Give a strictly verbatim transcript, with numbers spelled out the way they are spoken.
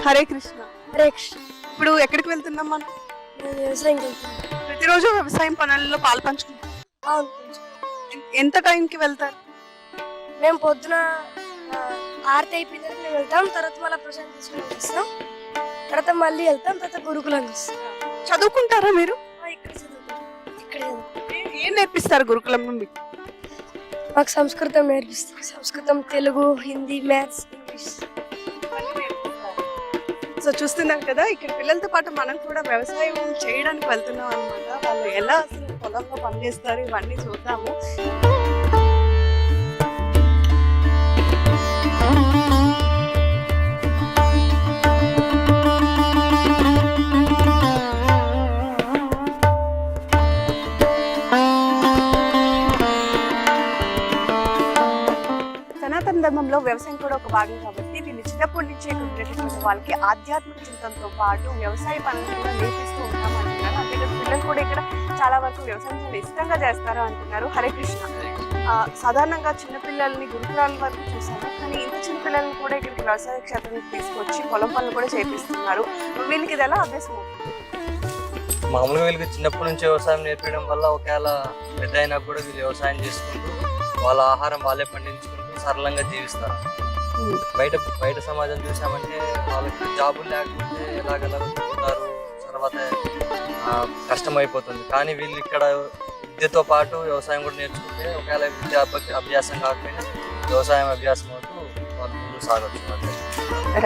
హరే కృష్ణ. హరే కృష్ణ. ఇప్పుడు ఎక్కడికి వెళ్తున్నాం మనం? నేను వ్యవసాయంకి వెళ్తాను. ప్రతిరోజు వ్యవసాయం పనుల్లో పాలు పంచుకుంటాం. అవును. ఎన్- ఎంత టైంకి వెళ్తారు? మేము పొద్దున ఆ, ఆరతి అయిపోయిన తర్వాత మేము వెళ్తాం. తర్వాత మళ్ళీ ప్రశాంత్ తీసుకుని వస్తాం. తర్వాత మళ్ళీ వెళ్తాం. తర్వాత గురుకులంకి వస్తాం. చదువుకుంటారా మీరు? ఆ, ఇక్కడ చదువుతాం. ఇక్కడ చదువుతాం. ఏ- ఏం నేర్పిస్తారు గురుకులంలో మీకు? మాకు సంస్కృతం నేర్పిస్తాం. Samskritam, Telugu, Hindi, maths, English. So చూస్తున్నాం కదా, ఇక్కడ పిల్లలతో పాటు మనం కూడా వ్యవసాయం చేయడానికి వెళ్తున్నాం అనమాట. వాళ్ళు ఎలా అసలు పొలంలో పనిచేస్తారు ఇవన్నీ చూద్దాము. సనాతన ధర్మంలో వ్యవసాయం కూడా ఒక భాగం కాబట్టి వీళ్ళు చిన్నప్పటి నుంచే ఉండేటటువంటి వాళ్ళకి ఆధ్యాత్మిక చింతనతో పాటు వ్యవసాయ పనులు కూడా నేర్పిస్తూ ఉంటాం అంటున్నారు. అంతేకాదు పిల్లలు కూడా ఇక్కడ చాలా వరకు వ్యవసాయం చాలా ఇష్టంగా చేస్తారు అంటున్నారు. హరే కృష్ణ. ఆ, సాధారణంగా చిన్నపిల్లల్ని గురుకులాల వరకు చూసాము, కానీ ఇంత చిన్న పిల్లల్ని కూడా ఇక్కడికి వ్యవసాయ క్షేత్రానికి తీసుకొచ్చి పొలం పనులు కూడా చేపిస్తున్నారు. వీళ్ళకి ఇది ఎలా అభ్యాసం అవుతుంది? మామూలుగా వీళ్ళకి చిన్నప్పటి నుంచి వ్యవసాయం నేర్పించడం వల్ల ఒకవేళ పెద్ద అయినా కూడా వీళ్ళు వ్యవసాయం చేసుకుంటూ వాళ్ళ ఆహారం వాళ్ళే పండించుకుంటూ సరళంగా జీవిస్తారు. బయట బయట సమాజం చూసామంటే వాళ్ళకి జాబులు లేకపోతే ఎలాగెలాగో తిరుగుతారు, తర్వాత ఆ, కష్టమైపోతుంది. కానీ వీళ్ళు ఇక్కడ విద్యతో పాటు వ్యవసాయం కూడా నేర్చుకుంటే ఒకవేళ విద్య అభ్యాసం కాకపోయినా వ్యవసాయం అభ్యాసం అవుతూ వాళ్ళు ముందుకు సాగొచ్చు.